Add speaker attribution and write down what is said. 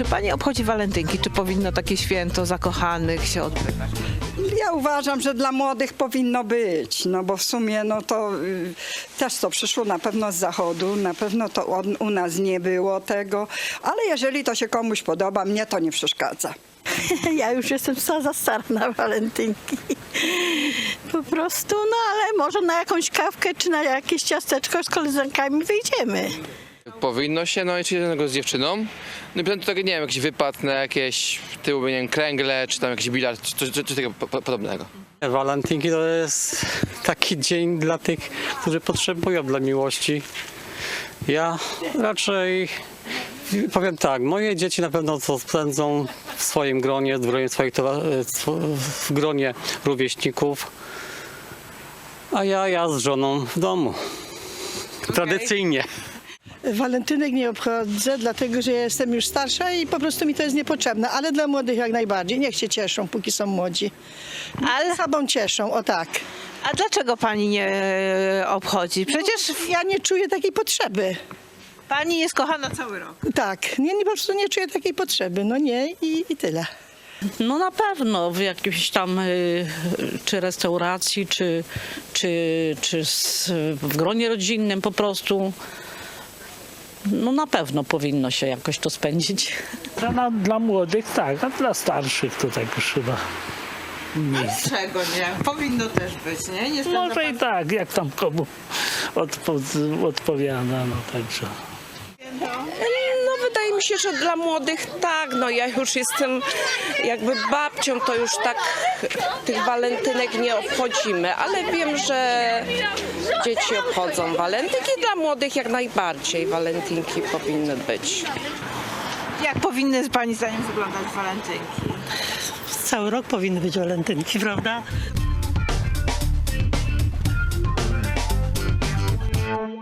Speaker 1: Pani obchodzi walentynki? Czy powinno takie święto zakochanych się odbywać?
Speaker 2: Ja uważam, że dla młodych powinno być, no bo w sumie no to też to przyszło na pewno z zachodu, na pewno to u nas nie było tego, ale jeżeli to się komuś podoba, mnie to nie przeszkadza.
Speaker 3: Ja już jestem za stara na walentynki. Po prostu, no ale może na jakąś kawkę czy na jakieś ciasteczko z koleżankami wyjdziemy.
Speaker 4: Powinno się, no i czy jednego z dziewczyną. No i potem to tak, nie wiem, jakiś wypad na jakieś tyłu, nie wiem, kręgle, czy tam jakiś bilard, czy tego podobnego.
Speaker 5: Walentynki to jest taki dzień dla tych, którzy potrzebują dla miłości. Ja raczej powiem tak, moje dzieci na pewno to spędzą w swoim gronie, w gronie rówieśników, a ja z żoną w domu. Tradycyjnie.
Speaker 3: Walentynek nie obchodzę, dlatego że ja jestem już starsza i po prostu mi to jest niepotrzebne, ale dla młodych jak najbardziej. Niech się cieszą, póki są młodzi. Ale sobą cieszą, o tak.
Speaker 1: A dlaczego pani nie obchodzi? Przecież
Speaker 3: Ja nie czuję takiej potrzeby.
Speaker 1: pani jest kochana cały rok.
Speaker 3: Tak, nie, po prostu nie czuję takiej potrzeby. No nie i tyle.
Speaker 6: No na pewno w jakiejś tam czy restauracji, czy w gronie rodzinnym po prostu. No na pewno powinno się jakoś to spędzić.
Speaker 7: Dla młodych tak, a dla starszych to tak już chyba nie.
Speaker 1: Czego nie? Powinno też być, nie? Nie spędza
Speaker 7: Może i tak, jak tam komu odpowiada, no także.
Speaker 8: No wydaje mi się, że dla młodych tak, no ja już jestem jakby babcią, to już tak tych walentynek nie obchodzimy, ale wiem, że dzieci obchodzą walentynki, dla młodych jak najbardziej walentynki powinny być.
Speaker 1: Jak powinny pani zdaniem wyglądać walentynki?
Speaker 3: Cały rok powinny być walentynki, prawda?